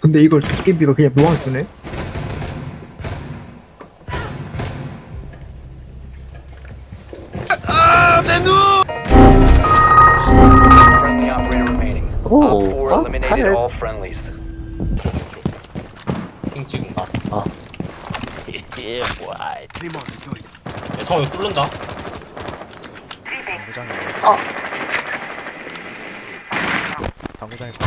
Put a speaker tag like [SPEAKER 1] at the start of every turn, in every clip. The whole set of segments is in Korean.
[SPEAKER 1] 근데 이걸 도깨비가 그냥 묘하게 쓰네?
[SPEAKER 2] Friendly operator remaining.
[SPEAKER 3] 오,
[SPEAKER 2] Op 4 eliminated
[SPEAKER 3] 칼.
[SPEAKER 2] all friendlies.
[SPEAKER 4] 핑 찍은가?
[SPEAKER 3] 예, 뭐야.
[SPEAKER 4] 야, 성우 이거 뚫는다.
[SPEAKER 5] 당구장에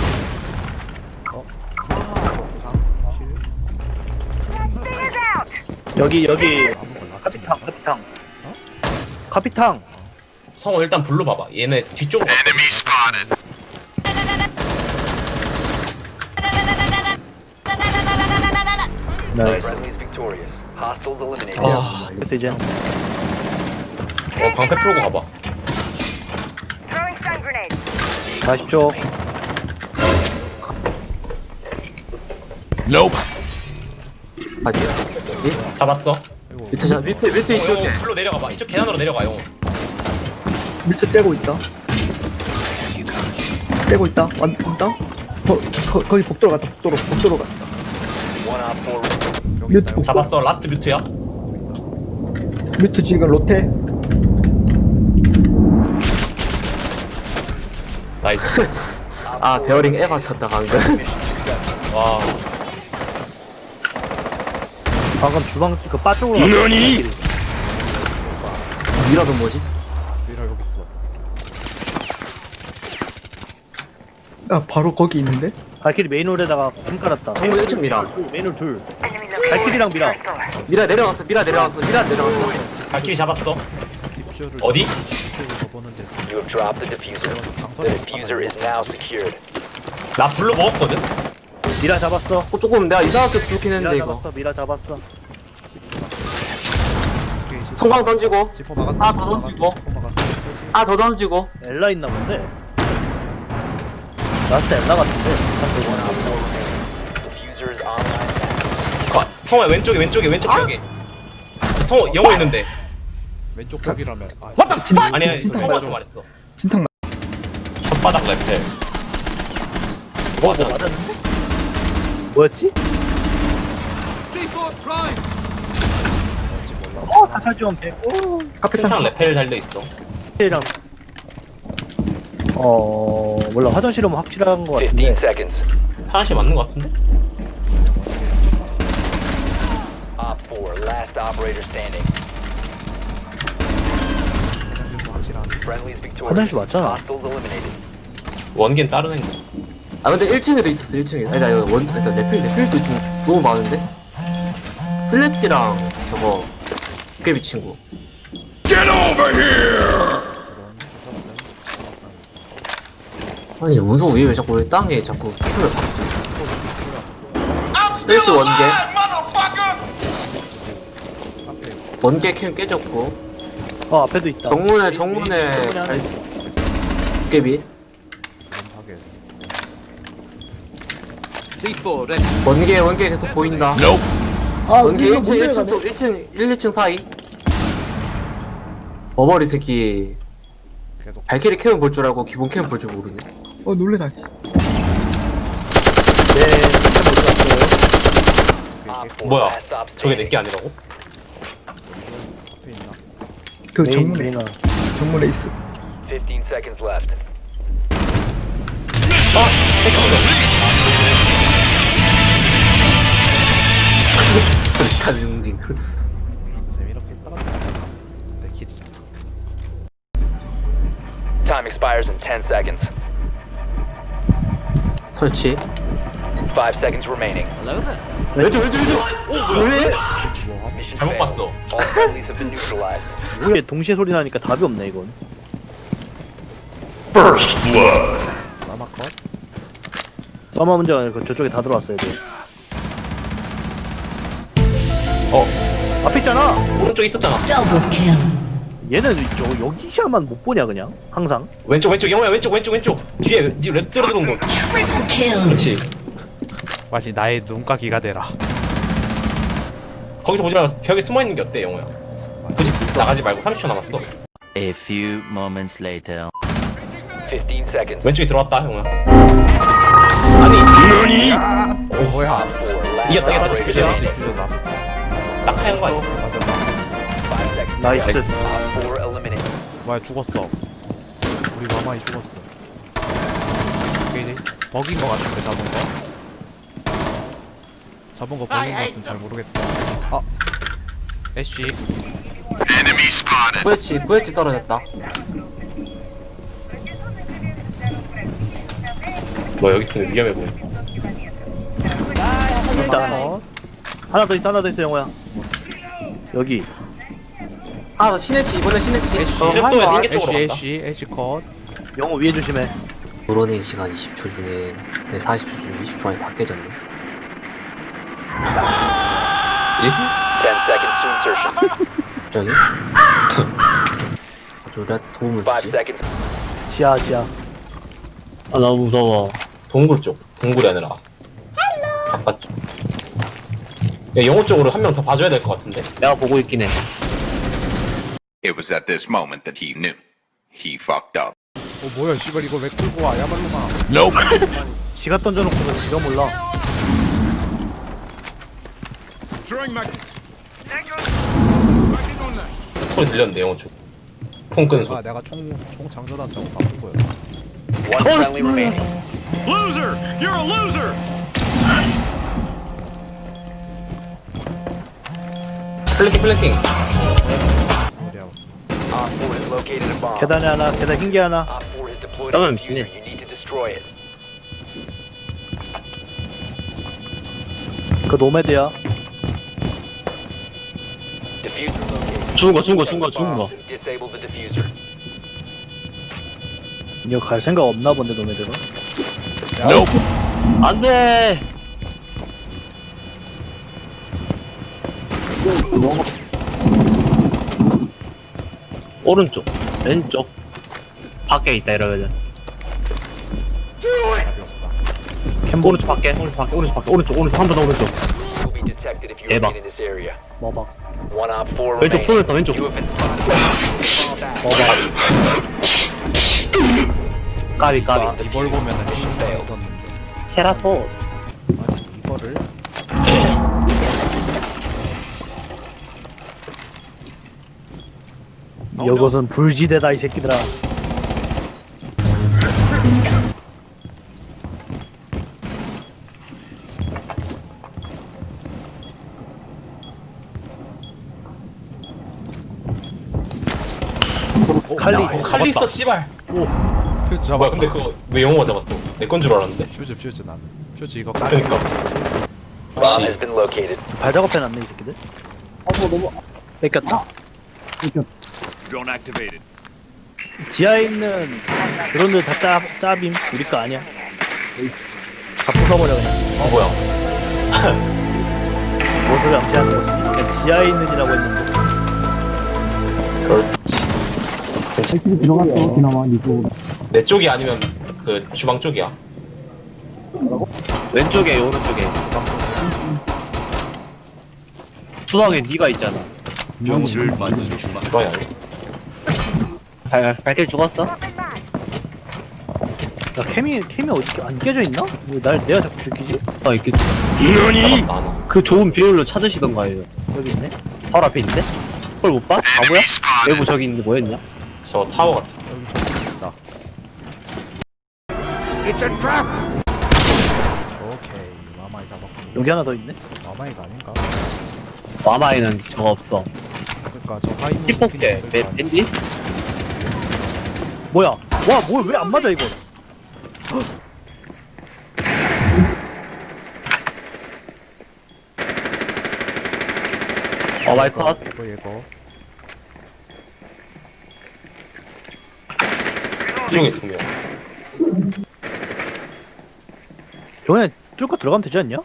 [SPEAKER 6] 여기 카피탕 카피탕
[SPEAKER 4] 성우 일단 불러봐봐. 얘네 뒤쪽으로 갔거든.
[SPEAKER 6] 나이스.
[SPEAKER 2] Friendlies victorious. Hostiles eliminated.
[SPEAKER 4] 아,
[SPEAKER 6] 그때 이제
[SPEAKER 4] 방패 풀고 가봐.
[SPEAKER 6] 40초
[SPEAKER 3] 아니야.
[SPEAKER 4] 잡았어.
[SPEAKER 3] 밑에 이쪽에.
[SPEAKER 4] 용 불로 내려가봐. 이쪽 계단으로 내려가, 용.
[SPEAKER 1] 밑에 떼고 있다. 떼고 있다. 왔다. 거기 복도로 갔다. 복도로 갔다.
[SPEAKER 2] One Op 4 remaining.
[SPEAKER 1] 뮤트 복도.
[SPEAKER 4] 잡았어. 라스트 뮤트야.
[SPEAKER 1] 뮤트 지금 로테.
[SPEAKER 4] 나이스.
[SPEAKER 3] 아, 베어링 에바 쳤다, 방금.
[SPEAKER 4] 와.
[SPEAKER 6] 방금 주방 그 바 쪽으로 너니?
[SPEAKER 3] 미라도 뭐지?
[SPEAKER 5] 미라 여기 있어.
[SPEAKER 1] 아 바로 거기 있는데?
[SPEAKER 6] 발키리 메인홀에다가 빔 깔았다.
[SPEAKER 3] 정문 1층 미라.
[SPEAKER 6] 메인홀 둘. 발키리랑 미라.
[SPEAKER 3] 미라 내려갔어.
[SPEAKER 4] 발키리 잡았어.
[SPEAKER 5] 딥쇼를
[SPEAKER 4] 어디?
[SPEAKER 5] 딥쇼를 접어는 데서
[SPEAKER 2] You have dropped the diffuser. The diffuser is now secured.
[SPEAKER 4] 나 불로 먹었거든?
[SPEAKER 6] 미라 잡았어.
[SPEAKER 3] 조금 내가 이상하게 부르긴
[SPEAKER 6] 미라
[SPEAKER 3] 했는데, 이거.
[SPEAKER 6] 잡았어. 미라 잡았어.
[SPEAKER 3] 성광 던지고.
[SPEAKER 5] 지퍼 막았다.
[SPEAKER 3] 아, 더 던지고.
[SPEAKER 5] 지퍼 막았어. 설치.
[SPEAKER 3] 아, 더 던지고.
[SPEAKER 6] 엘라 있나 본데. 라스트 엘라 같은데.
[SPEAKER 2] Diffuser is online now.
[SPEAKER 4] 성우야, 왼쪽 벽에. 성우, 영어 있는데.
[SPEAKER 5] 왼쪽 벽이라면. 아,
[SPEAKER 4] 아니야,
[SPEAKER 1] 진탕
[SPEAKER 4] 성우한테
[SPEAKER 1] 맞아.
[SPEAKER 4] 말했어.
[SPEAKER 1] 진탕
[SPEAKER 4] 혓바닥 레펠.
[SPEAKER 6] 뭐 맞았는데? 뭐였지? 사살지원 100.
[SPEAKER 1] 카페탕.
[SPEAKER 4] 큰창 레펠 달려있어.
[SPEAKER 6] 이랑 몰라. 화장실은 확실한 거
[SPEAKER 2] 15
[SPEAKER 6] 같은데.
[SPEAKER 2] seconds.
[SPEAKER 4] 화장실 맞는 거 같은데?
[SPEAKER 2] Op 4, last operator standing.
[SPEAKER 5] 확실한.
[SPEAKER 2] Friendlies victorious.
[SPEAKER 6] 화장실 맞잖아.
[SPEAKER 2] Hostiles eliminated.
[SPEAKER 4] 원긴 다른 애인 거.
[SPEAKER 3] 아, 근데 1층에도 있었어, 1층에. 아니, 나 이거 일단 레필도 있으면 너무 많은데? 슬래치랑 저거, 도깨비 친구. 아니, 문서 위에 왜 자꾸 왜 땅에 자꾸 틈을 박지? 슬래치 원개 캠 깨졌고.
[SPEAKER 6] 앞에도 있다.
[SPEAKER 3] 정문에 도깨비. 원개 계속 보인다. 원개 1층 쪽 1, 2층 사이. 버버리 새끼.
[SPEAKER 5] 계속.
[SPEAKER 3] 발키리 캠을 볼 줄 알고 기본 캠을 볼 줄 모르네.
[SPEAKER 1] 놀래라.
[SPEAKER 6] 네.
[SPEAKER 2] Op 4,
[SPEAKER 4] 뭐야?
[SPEAKER 2] last stop
[SPEAKER 4] 저게
[SPEAKER 2] standing.
[SPEAKER 4] 내게 아니라고?
[SPEAKER 5] 앞에 있나?
[SPEAKER 1] 그
[SPEAKER 6] 메인
[SPEAKER 1] 정문에
[SPEAKER 6] 메인홀.
[SPEAKER 1] 정문에 있어.
[SPEAKER 2] 15 seconds left.
[SPEAKER 3] 스리탄 용딩.
[SPEAKER 5] 쌤 이렇게 따라다닌다. 내 키즈잖아.
[SPEAKER 2] Time expires in 10 seconds.
[SPEAKER 3] 설치.
[SPEAKER 2] 5 seconds remaining.
[SPEAKER 3] 왼쪽. 왜?
[SPEAKER 2] Mission
[SPEAKER 4] 잘못
[SPEAKER 2] failed.
[SPEAKER 4] 봤어.
[SPEAKER 2] All friendlies have been neutralized.
[SPEAKER 6] 이게 동시에 소리 나니까 답이 없네 이건.
[SPEAKER 5] 마마 컷.
[SPEAKER 6] 서머 문제가 아니라 저쪽에 다 들어왔어야 돼. 앞에 있잖아.
[SPEAKER 4] 오른쪽에 있었잖아.
[SPEAKER 6] 얘는 여기 시야만 못 보냐 그냥 항상.
[SPEAKER 4] 왼쪽, 영호야, 왼쪽. 뒤에, 랩 들어온 거. 그렇지.
[SPEAKER 5] 마치 나의 눈가기가 되라.
[SPEAKER 4] 거기서 보지 말고 벽에 숨어 있는 게 어때, 영호야? 굳이 나가지 말고 30초 남았어.
[SPEAKER 7] A few moments later.
[SPEAKER 2] 15 seconds.
[SPEAKER 4] 왼쪽에 들어왔다, 영호야. 아니
[SPEAKER 5] 뭐야?
[SPEAKER 4] 이겼다
[SPEAKER 5] 디퓨저다.
[SPEAKER 4] 디퓨저
[SPEAKER 5] 디퓨저다.
[SPEAKER 4] 딱 하얀 거 아니야?
[SPEAKER 5] 맞아.
[SPEAKER 6] 나이스.
[SPEAKER 5] 뭐야 죽었어. 우리 마마이 죽었어. 오케이. 버긴 거 같은데 잡은 거. 잡은 거 버긴 거 같은 잘 모르겠어. 아. 애쉬.
[SPEAKER 3] 부엣지 떨어졌다.
[SPEAKER 4] 너 여기 있으면 위험해 보여.
[SPEAKER 6] 일단
[SPEAKER 5] 컷.
[SPEAKER 6] 하나 더 있어 영호야. 여기.
[SPEAKER 3] 아, 나 신했지. 이번에 신했지.
[SPEAKER 4] 랩도에 링게 쪽으로 간다.
[SPEAKER 5] 애쉬 컷.
[SPEAKER 6] 영호 위에 조심해.
[SPEAKER 7] 브로닝 시간 20초 중에 40초 중에 20초 안에 다 깨졌네. 갑자기? 저래 도움을 주지?
[SPEAKER 6] 지하.
[SPEAKER 8] 아 너무 무서워.
[SPEAKER 4] 동굴 쪽. 동굴이 아니라. 바깥쪽. 야 영호 쪽으로 한 명 더 봐줘야 될 것 같은데.
[SPEAKER 8] 내가 보고 있긴 해.
[SPEAKER 9] It was at this moment that he knew. He fucked up.
[SPEAKER 5] 뭐야 씨발 이거 왜 끌고 와 야말로마.
[SPEAKER 6] 지가 던져놓고서 지가 몰라.
[SPEAKER 4] 소리 들렸는데 영호 쪽. 폰 끄는 소리.
[SPEAKER 5] 내가 총 장전한다고 바꾼 거야.
[SPEAKER 4] 플랭킹.
[SPEAKER 6] 계단에 하나, 계단 흰 개 하나.
[SPEAKER 8] 그러면 미네.
[SPEAKER 6] 그 노매드야.
[SPEAKER 8] 죽은 거.
[SPEAKER 6] 이거 갈 생각 없나 본데 노매드가.
[SPEAKER 8] 안돼. 오른쪽, 왼쪽, 밖에 있다 이러거든. 오른쪽 밖에, 오른쪽 한 번 더 오른쪽. 대박.
[SPEAKER 6] 뭐봐.
[SPEAKER 8] 왼쪽 손을 더 왼쪽. 까비.
[SPEAKER 5] 이걸 보면은 있었는데.
[SPEAKER 8] 테라포.
[SPEAKER 5] 아니 이거를
[SPEAKER 6] 이것은 불지대다 이 새끼들아. 칼리.
[SPEAKER 4] 칼리 있어 씨발.
[SPEAKER 5] 퓨즈
[SPEAKER 4] 뭐야
[SPEAKER 5] 잡았다.
[SPEAKER 4] 근데 그거 왜 영호가 잡았어? 내 건 줄 알았는데.
[SPEAKER 5] 퓨즈 나는. 퓨즈 이거 까지.
[SPEAKER 4] 그니까. 역시.
[SPEAKER 6] 발작업 해놨네 이 새끼들. 너무 뺏겼다. 지하에 있는 드론들 다 짜빔 우리 거 아니야. 다 부숴버려 그냥.
[SPEAKER 4] 뭐야?
[SPEAKER 6] 뭔 소리 암시하는 거지? 그냥 지하에 있는이라고 했는데.
[SPEAKER 4] 그럴 수 있지. 내 쪽이 아니면 그 주방 쪽이야.
[SPEAKER 8] 왼쪽에 오른쪽에. 수상에 네가 있잖아.
[SPEAKER 4] 주방이 아니야.
[SPEAKER 8] 발길 죽었어?
[SPEAKER 6] 야 캠이 어디 안 깨져 있나? 왜 내가 자꾸 들키지?
[SPEAKER 8] 아 있겠지.
[SPEAKER 4] 잡았다 하나.
[SPEAKER 8] 그 좋은 비율로 찾으시던가 해요.
[SPEAKER 6] 여기 있네.
[SPEAKER 8] 바로 앞에 있는데? 그걸 못 봐? 바보야? 외부 저기 있는데 뭐였냐?
[SPEAKER 4] 저 타워 같아.
[SPEAKER 5] 오케이 마마이 잡았고.
[SPEAKER 6] 여기 하나 더 있네.
[SPEAKER 5] 마마이가 아닌가?
[SPEAKER 8] 마마에는 저거 없어.
[SPEAKER 5] 그러니까 저 하이무
[SPEAKER 8] 힙폭대 밴디?
[SPEAKER 6] 뭐야? 와, 뭐 왜 안 맞아 이거?
[SPEAKER 8] 마이 컷.
[SPEAKER 5] 이거
[SPEAKER 4] 이쪽에 두 명.
[SPEAKER 6] 저번에 뚫고 들어가면 되지 않냐?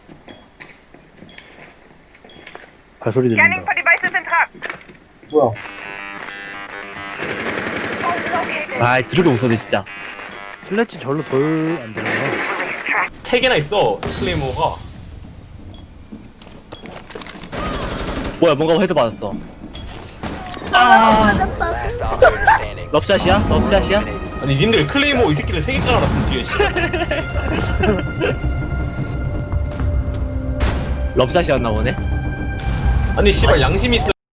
[SPEAKER 6] 발소리 들린다.
[SPEAKER 8] 아 드럽게 웃어네 진짜.
[SPEAKER 6] 슬래치 절로 돌 안 되나?
[SPEAKER 4] 3개나 있어. 클레이모가.
[SPEAKER 8] 뭐야 뭔가 헤드 맞았어. 럽샷이야? 럽샷이야?
[SPEAKER 4] 아니 님들 클레이모 이 새끼를 3개 깔아놨음 뒤에 씨.
[SPEAKER 8] 럽샷이었나 보네.
[SPEAKER 4] 아니 씨발 양심이 있어